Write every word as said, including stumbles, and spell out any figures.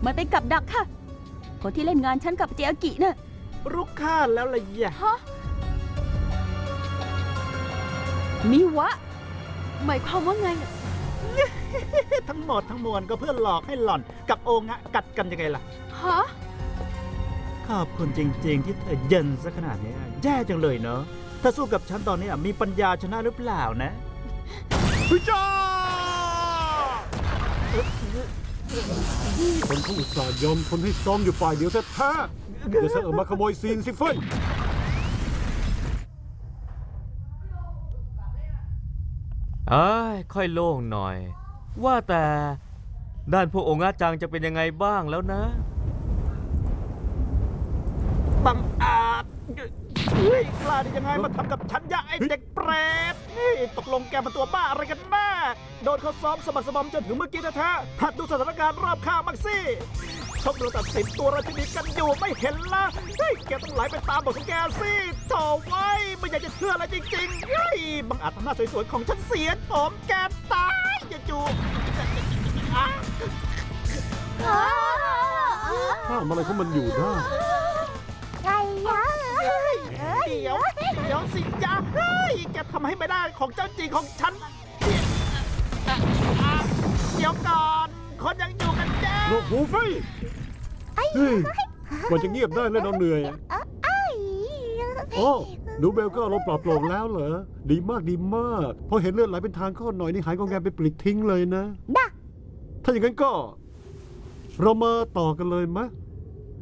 มันเป็นกับดักค่ะคนที่เล่นงานฉันกับเจียกิน่ะรู้ข้าแล้วล่ะยะฮะมิวะหมายความว่าไงทั้งหมดทั้งมวลก็เพื่อหลอกให้หล่อนกับโองะกัดกันยังไงล่ะฮะขอบคุณจริงๆที่เธอเย็นซะขนาดนี้แย่จังเลยเนาะถ้าสู้กับฉันตอนนี้มีปัญญาชนะหรือเปล่านะพิจ้าคนเขาอุตส่าห์ยอมทนให้ซ้อมอยู่ฝ่ายเดียวแท้ๆเดี๋ยวฉันออกมาขโมยซีนสิเฟ้ยเอ้ยค่อยโล่งหน่อยว่าแต่ด้านพวกองค์อาจังจะเป็นยังไงบ้างแล้วนะบังอาจเฮ้ยกล้าได้ยังไงมาทำกับฉันยะไอ้เด็กเปรตนี่ตกลงแกเป็นตัวบ้าอะไรกันแน่โดนเขาซ้อมสมัครสมอมจนถึงเมื่อกี้แท้ๆหัดดูสถานการณ์รอบข้างบ้างสิชกดูตัดสินตัวราชินีกันอยู่ไม่เห็นละเฮ้ยแกต้องไหลไปตามบทของแกสิโถ่ไว้ไม่อยากจะเชื่ออะไรจริงๆเฮ้ยบังอาจทำหน้าสวยๆของฉันเสียผมแกตายอย่าจูบห้ามอะไรของมันอยู่ได้ไงยะเดี๋ยวเดี๋ยวสิยะเฮ้ยแกทำให้ไม่ได้ของเจ้าจริงของฉันเดี๋ยวก่อนคนยังอยู่กันแจ้โลกหูไฟเฮ้ยกว่าจะเงียบได้แล้วเราเหนื่อยโอ้ดูเบลก็ลมปลอบโปร่งแล้วเหรอดีมากดีมากพอเห็นเลือดไหลเป็นทางข้อหน่อยนี่หายกองแกไปปลิดทิ้งเลยนะถ้าอย่างนั้นก็เรามาต่อกันเลยมะ